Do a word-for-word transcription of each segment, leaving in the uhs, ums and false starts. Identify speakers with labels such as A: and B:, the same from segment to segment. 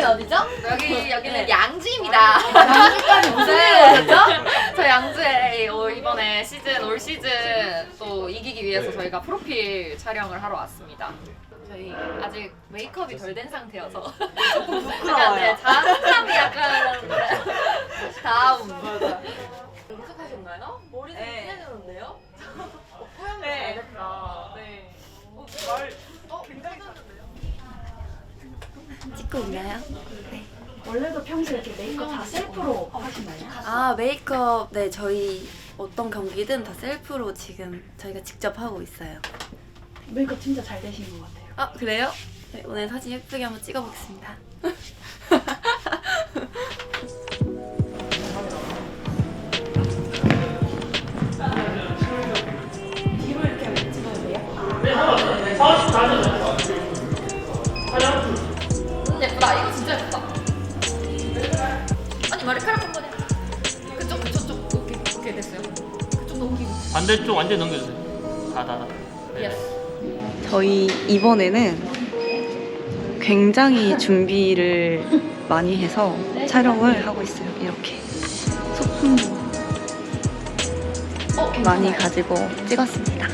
A: 어디죠?
B: 여기 여기는
A: 네.
B: 양지입니다.
A: 양지까지 무슨 일로
B: 네.
A: 오셨죠?
B: 저 양주에 어, 이번에 시즌 올 시즌 또 이기기 위해서 저희가 프로필 촬영을 하러 왔습니다. 저희 아직 메이크업이 덜 된 상태여서
A: 조금
B: 약간
A: 부끄러워요.
B: 네, 자신감이 약간 다음. 연습하셨나요? 머리도
A: 네.
B: 진해졌는데요? 뽀얀 거
A: 네.
B: 잘됐다. 네. 어, 말 어, 굉장히 잘했는데요?
C: 찍고 있나요?
A: 원래도 평소에 이렇게 메이크업 다 셀프로 하시나요?
C: 아 메이크업 네 저희 어떤 경기든 다 셀프로 지금 저희가 직접 하고 있어요.
A: 메이크업 진짜 잘 되신 것 같아요.
C: 아 그래요? 네, 오늘 사진 예쁘게 한번 찍어보겠습니다.
A: 뒤로 이렇게 찍어도 돼요?
B: 음, 예쁘다. 이거 진짜 예쁘다. 아니 머리카락 한 번에 그쪽 그쪽 쪽 오케이 오케이 됐어요. 그쪽 넘기고.
D: 반대쪽 완전 넘겨주세요. 다, 다, 다. 네.
B: 예스.
E: 저희 이번에는 굉장히 준비를 많이 해서 촬영을 하고 있어요. 이렇게 소품도
B: 어,
E: 많이 가지고 찍었습니다.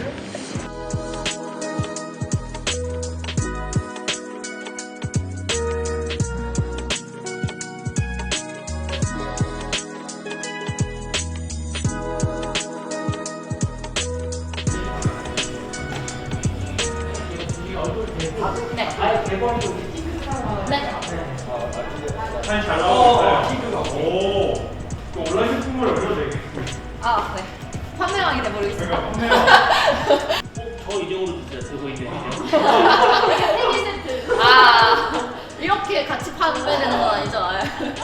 B: 네. 네.
F: 사진 잘 나오고 오, 또 온라인 제품을 올려도 되겠고.
B: 아, 네. 판매왕이 돼버리고 있습니다.
D: 저 이정으로 주세요. 들고 있는 이정.
B: 아, 이렇게 같이 판매되는 건 아니죠? 아.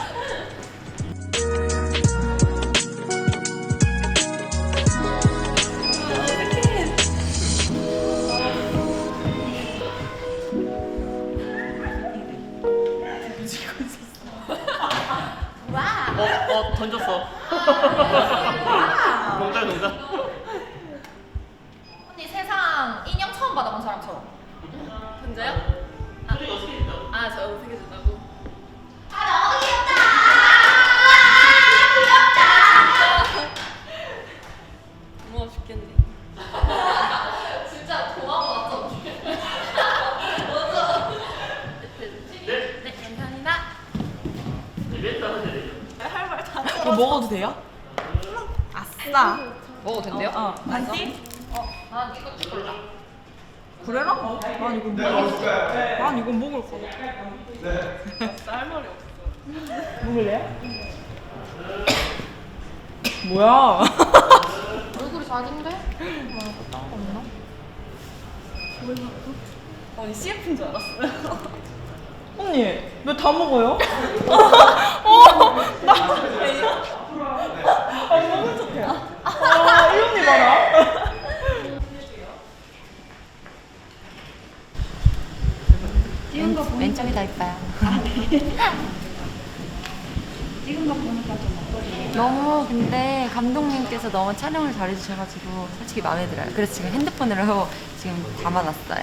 D: 어, 어, 던졌어. 농담, 농담.
B: 언니 세상 인형 처음 받아본 사람처럼. 진짜요? 아,
D: 표정이 어떻게 됐다?
B: 아, 저 어떻게 된다고? 아, 너무 귀엽다! 귀엽다! 고마워 죽겠네. 진짜 고마워, 맞죠? 맞죠?
D: 네?
B: 네, 감사합니다.
D: 이벤트 하면 되죠.
A: 이거 먹어도 돼요? 아싸.
B: 먹어도 된대요?
A: 어, 반지?
B: 난 이거 찍을라.
A: 그래라? 어? 난 이거 먹을 거야. 난 이거 먹을 거야. 네. 쌀말이 없어. 먹을래요? 뭐야?
B: 얼굴이 작은데?
A: 아니 씨에프인 줄 알았어요. 언니 왜 다 먹어요? 어, 나 아, 먹은 척해. 아, 이 언니 봐라.
C: 왼, 왼쪽이 더 이뻐요.
A: 찍은 거 보니까 좀 어떠세요?
C: 너무 근데 감독님께서 너무 촬영을 잘해주셔가지고 솔직히 마음에 들어요. 그래서 지금 핸드폰으로 지금 담아놨어요.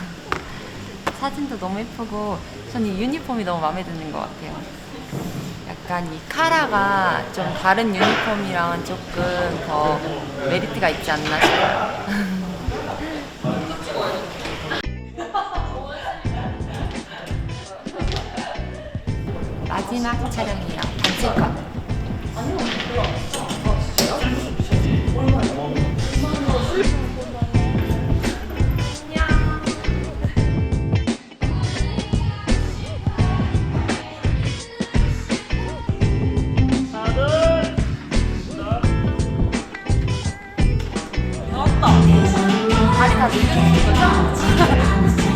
C: 사진도 너무 예쁘고 저는 이 유니폼이 너무 마음에 드는 것 같아요. 약간 이 카라가 좀 다른 유니폼이랑은 조금 더 메리트가 있지 않나 싶어요. 마지막 촬영이에요. 단체컷. 다리 다 늘려주는 거죠?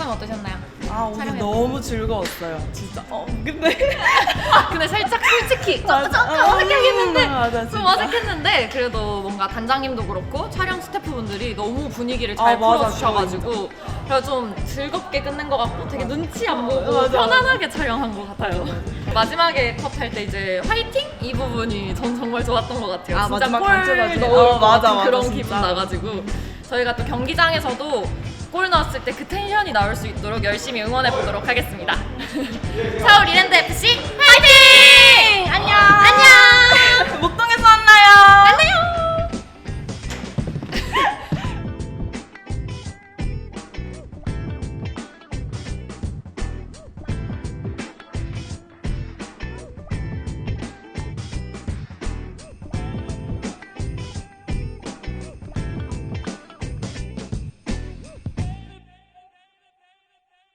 B: 소감 어떠셨나요?
A: 아 오늘
B: 촬영해서.
A: 너무 즐거웠어요. 진짜. 어 근데
B: 근데 살짝 솔직히
A: 맞아.
B: 잠깐
A: 아,
B: 어색하겠는데
A: 맞아,
B: 좀
A: 진짜.
B: 어색했는데 그래도 뭔가 단장님도 그렇고 촬영 스태프분들이 너무 분위기를 잘
A: 아, 맞아,
B: 풀어주셔가지고 그래서 좀 즐겁게 끝낸 것 같고 되게 눈치 안 보고
A: 맞아, 맞아.
B: 편안하게 촬영한 것 같아요. 마지막에 컷 할 때 이제 화이팅 이 부분이 전 정말 좋았던 것 같아요.
A: 아,
B: 진짜
A: 마지막
B: 골
A: 단체다.
B: 넣을
A: 어,
B: 것
A: 맞아,
B: 같은
A: 맞아,
B: 그런
A: 진짜.
B: 기분 나가지고 저희가 또 경기장에서도 골 넣었을 때 그 텐션이 나올 수 있도록 열심히 응원해 보도록 하겠습니다. 서울 이랜드 에프씨